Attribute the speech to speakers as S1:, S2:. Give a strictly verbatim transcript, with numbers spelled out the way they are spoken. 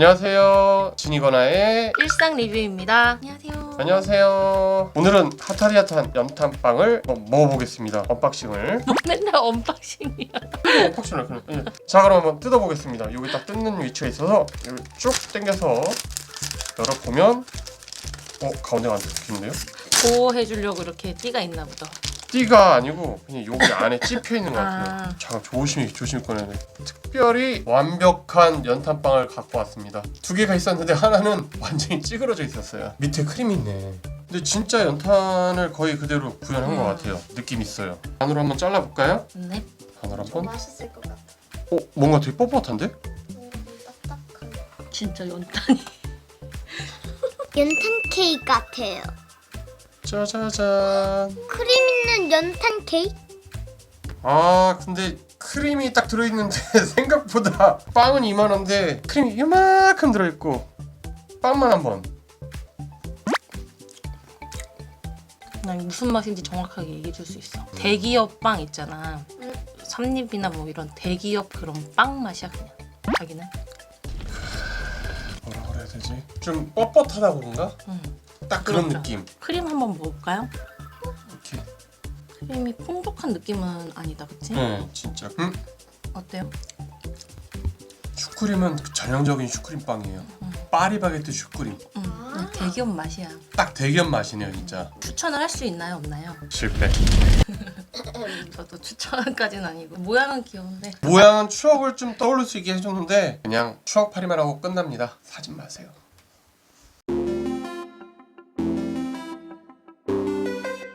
S1: 안녕하세요, 진이거나의
S2: 일상 리뷰입니다. 안녕하세요.
S1: 안녕하세요. 오늘은 핫하리 핫한 연탄빵을 한번 먹어보겠습니다. 언박싱을.
S2: 뭐 맨날 언박싱이야.
S1: 언박싱을 그냥. 예. 자, 그럼 한번 뜯어보겠습니다. 여기 딱 뜯는 위치가 있어서 여기 쭉 당겨서 열어보면 어? 가운데가 안 뜯기는데요?
S2: 보호해주려고 이렇게 띠가 있나 보다.
S1: 띠가 아니고 그냥 여기 안에 찝혀 있는 것 같아요.
S2: 아.
S1: 잠깐 조심히 조심히 꺼내야 돼. 특별히 완벽한 연탄빵을 갖고 왔습니다. 두 개가 있었는데 하나는 완전히 찌그러져 있었어요. 밑에 크림이 있네. 근데 진짜 연탄을 거의 그대로 구현한
S2: 음.
S1: 것 같아요. 느낌 있어요. 반으로 한번 잘라볼까요?
S2: 네.
S1: 반으로 한번.
S3: 맛있을 것 같아.
S1: 어? 뭔가 되게 뻣뻣한데?
S3: 음, 딱딱한.
S2: 진짜 연탄이.
S3: 연탄 케이크 같아요.
S1: 짜자잔.
S3: 크림 있는 연탄 케이크?
S1: 아 근데 크림이 딱 들어있는데 생각보다 빵은 이만한데 크림이 이만큼 들어있고 빵만 한번.
S2: 난 무슨 맛인지 정확하게 얘기해줄 수 있어. 대기업 빵 있잖아.
S3: 응.
S2: 삼립이나 뭐 이런 대기업 그런 빵 맛이야 그냥. 자기는?
S1: 뭐라 그래야 되지? 좀 뻣뻣하다 그런가?
S2: 응.
S1: 딱 그런
S2: 그렇죠.
S1: 느낌.
S2: 크림 한번 먹어볼까요?
S1: 이렇게.
S2: 크림이 풍족한 느낌은 아니다, 그치?
S1: 네, 진짜. 음?
S2: 어때요?
S1: 슈크림은 그 전형적인 슈크림 빵이에요.
S2: 음.
S1: 파리바게뜨 슈크림.
S2: 응.
S3: 아.
S2: 대기업 맛이야.
S1: 딱 대기업 맛이네요, 진짜.
S2: 추천을 할 수 있나요, 없나요?
S1: 실패.
S2: 저도 추천까지는 아니고 모양은 귀여운데.
S1: 모양은 추억을 좀 떠올릴 수 있게 해줬는데 그냥 추억 파리만 하고 끝납니다. 사지 마세요.